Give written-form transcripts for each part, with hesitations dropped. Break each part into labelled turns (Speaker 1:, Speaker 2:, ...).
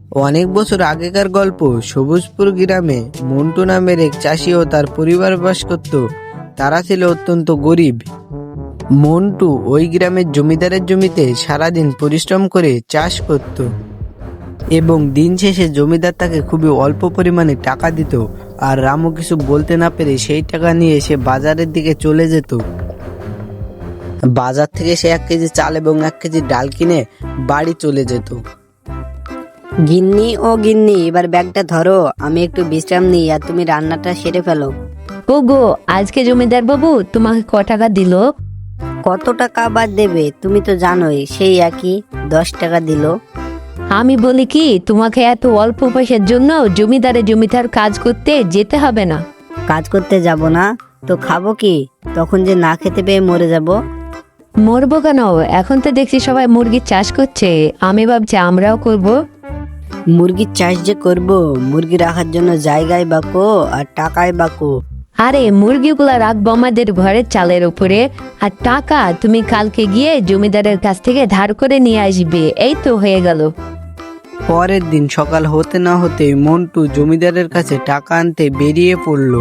Speaker 1: অনেক বছর আগেকার গল্প। সবুজপুর গ্রামে মন্টু নামের এক চাষি ও তার পরিবার বাস করত। তারা ছিল অত্যন্ত গরিব। মন্টু ওই গ্রামের জমিদারের জমিতে সারাদিন পরিশ্রম করে চাষ করত এবং দিন শেষে জমিদার তাকে খুবই অল্প পরিমাণে টাকা দিত। আর রামু কিছু বলতে না পেরে সেই টাকা নিয়ে সে বাজারের দিকে চলে যেত। বাজার থেকে সে 1 কেজি চাল এবং 1 কেজি ডাল কিনে বাড়ি চলে যেত।
Speaker 2: গিন্নি ও গিন্নি, এবার ব্যাগটা ধরো, আমি একটু বিশ্রাম নিই আর তুমি রান্নাটা সেরে ফেলো।
Speaker 3: ওগো, আজকে জমিদার বাবু তোমাকে ক টাকা দিল?
Speaker 2: কত টাকা আবার দেবে? তুমি তো জানোই, সেই একই 10 টাকা দিল।
Speaker 3: আমি বলি কি, তোমাকে এত অল্প পয়সার জন্য জমিদার কাজ করতে যেতে হবে না।
Speaker 2: কাজ করতে যাব না তো খাবো কি? তখন যে না খেতে পেয়ে মরে যাব।
Speaker 3: মরবো কেন? এখন তো দেখছি সবাই মুরগির চাষ করছে, আমি ভাবছি আমরাও করব।
Speaker 2: মুরগির চাষ যে করব, মুরগি রাখার জন্য জায়গায় বাকো আর টাকায় বাকো।
Speaker 3: আরে মুরগিগুলা রাখবো আমাদের ঘরের চালের উপরে, আর টাকা তুমি কালকে গিয়ে জমিদারের কাছ থেকে ধার করে নিয়ে আসবে, এই তো হয়ে গেল।
Speaker 1: পরের দিন সকাল হতে না হতে মন্টু জমিদারের কাছে টাকা আনতে বেরিয়ে পড়ল।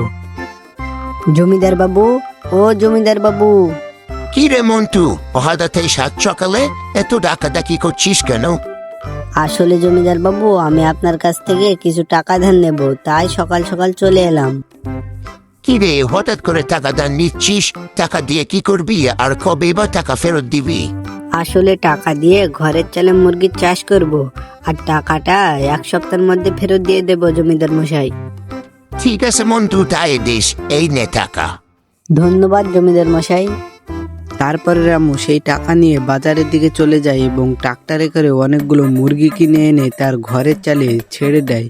Speaker 2: জমিদার বাবু, ও জমিদার বাবু।
Speaker 4: কি রে মন্টু, হঠাৎ এই সাত সকালে এত ডাকাডাকি করছিস কেন?
Speaker 2: আসলে জমিদার বাবু, আমি আপনার কাছ থেকে কিছু টাকা ধার নেব, তাই সকাল সকাল চলে এলাম।
Speaker 4: কি রে, হঠাৎ করে টাকা দান নিচ্ছিস? টাকা দিয়ে কি করবি আর কবে বা টাকা ফেরত দিবি?
Speaker 2: আসলে টাকা দিয়ে ঘরের চালে মুরগির চাষ করব, আর টাকাটা 1 সপ্তাহের মধ্যে ফেরত দিয়ে দেব জমিদার মশাই।
Speaker 4: ঠিক আছে মন্টু, তাই দিস, এই নে টাকা।
Speaker 2: ধন্যবাদ জমিদার মশাই।
Speaker 1: তারপরে রামু সেই টাকা নিয়ে বাজারের দিকে চলে যায় এবং ট্রাক্টরে করে অনেকগুলো মুরগি কিনে এনে তার ঘরের চালে ছেড়ে দেয়।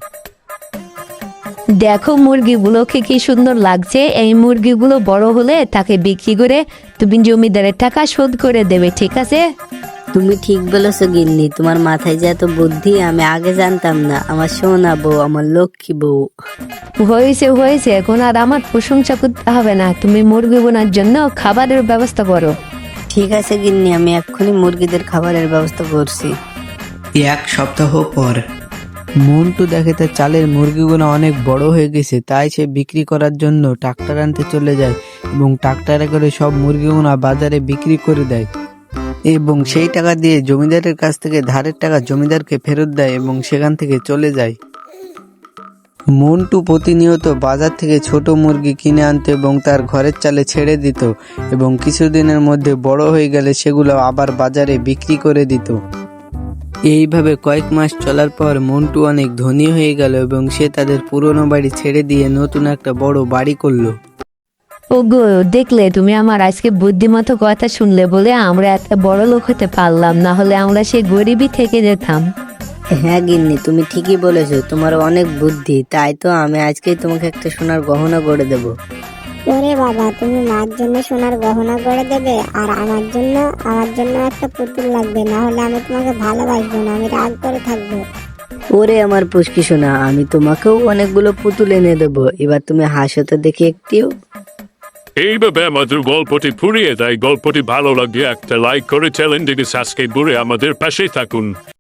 Speaker 3: দেখো মুরগিগুলোকে কি সুন্দর লাগছে, এই মুরগিগুলো বড় হলে তাকে বিক্রি করে তুমি জমিদারের টাকা শোধ করে দেবে, ঠিক আছে?
Speaker 2: তুমি ঠিক বলেছো গিন্নি, তোমার মাথায় যে এত বুদ্ধি আমি আগে জানতাম না। আমার সোনা বউ, আমার লক্ষ্মী বউ।
Speaker 3: হয়েছে, এখন আর আমার প্রশংসা করতে হবে না, তুমি মুরগি বোনার জন্য খাবারের ব্যবস্থা করো।
Speaker 2: ঠিক আছে গিন্নি, আমি এক্ষুনি মুরগিদের খাবারের ব্যবস্থা করছি।
Speaker 1: 1 সপ্তাহ পর মন্টু দেখে তার চালের মুরগিগুলো অনেক বড় হয়ে গেছে, তাই সে বিক্রি করার জন্য ট্রাক্টর আনতে চলে যায় এবং ট্রাক্টরে করে সব মুরগিগুলো বাজারে বিক্রি করে দেয় এবং সেই টাকা দিয়ে জমিদারের কাছ থেকে ধারের টাকা জমিদারকে ফেরত দেয় এবং সেখান থেকে চলে যায়। মন্টু প্রতিনিয়ত বাজার থেকে ছোট মুরগি কিনে আনতো এবং তার ঘরের চালে ছেড়ে দিত এবং কিছুদিনের মধ্যে বড় হয়ে গেলে সেগুলো আবার বাজারে বিক্রি করে দিত। এইভাবে কয়েক মাস চলার পর মন্টু অনেক ধনী হয়ে গেল এবং সে তাদের পুরনো বাড়ি ছেড়ে দিয়ে নতুন একটা বড় বাড়ি করলো।
Speaker 3: ওগো, দেখলে তুমি আমার আজকে বুদ্ধিমতো কথা শুনলে বলে আমরা এত বড় লোক হতে পারলাম, না হলে আমরা সেই গরিবই থেকে যেতাম।
Speaker 2: হ্যাঁ গিন্নি, তুমি ঠিকই বলেছো, তোমার অনেক বুদ্ধি, তাই তো আমি আজকেই তোমাকে একটা সোনার গহনা গড়ে দেব।
Speaker 5: ওরে বাবা, তুমি মার জন্য সোনার গহনা গড়ে দেবে আর আমার জন্য একটা পুতুল লাগবে, না হলে আমি তোমাকে ভালোবাসবো না, আমি রাগ করে থাকবো।
Speaker 2: ওরে আমার পুষ্কি সোনা, আমি তোমাকেও অনেকগুলো পুতুল এনে দেবো, এবার তুমি হাসো তো দেখি একটিও।
Speaker 6: এইভাবে আমাদের গল্পটি ফুরিয়ে দেয়। গল্পটি ভালো লাগলে একটা লাইক করে চ্যানেলটিকে সাবস্ক্রাইব করে আমাদের পাশে থাকুন।